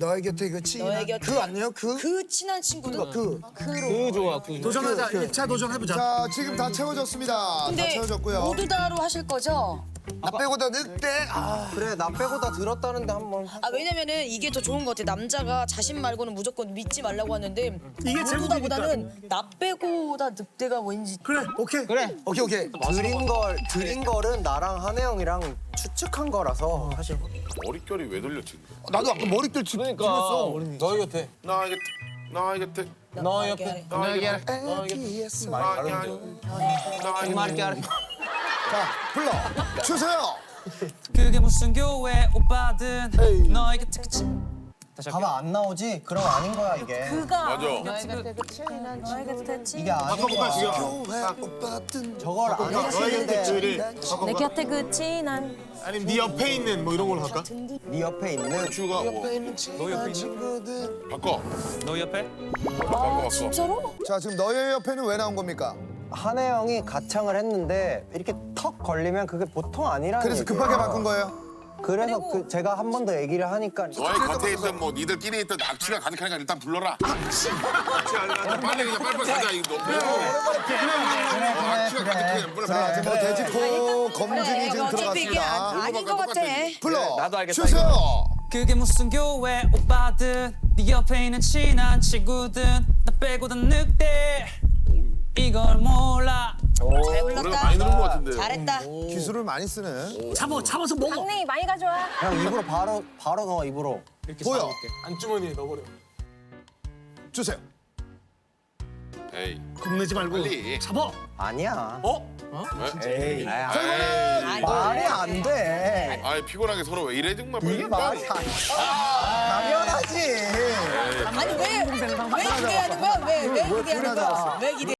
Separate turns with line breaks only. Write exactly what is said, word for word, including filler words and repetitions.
너의 곁에 그 친한
너의 곁에
그 아니에요? 그?
그 친한 친구도
그.
그 좋아. 그
도전하자.
그, 그.
일 차 도전해보자.
자, 지금 다 채워졌습니다. 다
근데
채워졌고요.
모두 다로 하실 거죠?
나 빼고 다 늑대. 아,
그래 나 빼고 다 들었다는데 한번.
아 왜냐면은 이게 더 좋은 것 같아. 남자가 자신 말고는 무조건 믿지 말라고 하는데
이게
모두 다보다는 나 빼고 다 늑대가 왠지
그래, 오케이.
그래.
오케이, 오케이.
드린 걸 드린 거는 나랑 한혜 형이랑 추측한 거라서 사실.
머릿결이 왜 돌렸지?
나도 아까 머리들 지- 찍었어.
너희 곁에.
나 곁에, 나 곁에,
너 옆에.
나 곁에,
애기에서.
나 곁에, 나 곁에.
자, 불러 주세요.
그게 무슨 교회 오빠든 너의 곁에 그치
봐봐 안 나오지? 그럼 아닌 거야 이게.
그가
맞아.
너의 곁에 친
이게 아닌 거야.
교회 오빠든
저걸 안 했는데
내 곁에 그 친한
아니면 네 옆에 있는 뭐 이런 걸로 할까?
네 옆에 있는
주가 뭐
너 옆에 친구들.
바꿔.
너 옆에
바꿔 바꿔.
진짜로?
자, 지금 너의 옆에는 왜 나온 겁니까?
한혜 형이 가창을 했는데 이렇게 턱 걸리면 그게 보통 아니라는
그래서
얘기예요.
급하게 바꾼 거예요.
그래서 그 제가 한 번 더 얘기를 하니까
너의 곁에 있던 뭐 니들끼리 있던 악취가 가득하니까 일단 불러라. 악취. 빨리 그냥 빨리빨리 가자 이거. 어, 악취가 가득해. 불러.
자, 지금 뭐 돼지코 검증이 지금
어차피 이게 아-
들어갔습니다.
아닌 것 같아.
불러
나도 알겠다,
주세요.
그게 무슨 교회 오빠든 네 옆에 있는 친한 친구든 나 빼고 다 늑대 이걸 몰라
잘
노래가
불렀다.
많이 들은 것 같은데.
잘했다.
기술을 많이 쓰네.
잡아, 잡아서 먹어.
강냉이 많이 가져와.
형 입으로 바로 바로 넣어 입으로.
보여.
안주머니에 넣어버려.
주세요.
에이.
겁내지 말고.
빨리.
잡아.
아니야.
어?
왜?
에이.
에이.
말이 안 돼.
아이 피곤하게 서로 왜 이래 정말.
이게 말이 안 돼. 당연하지.
아니 왜 왜 기대하는 거야? 왜 왜 기대하는 거야? 왜 기대?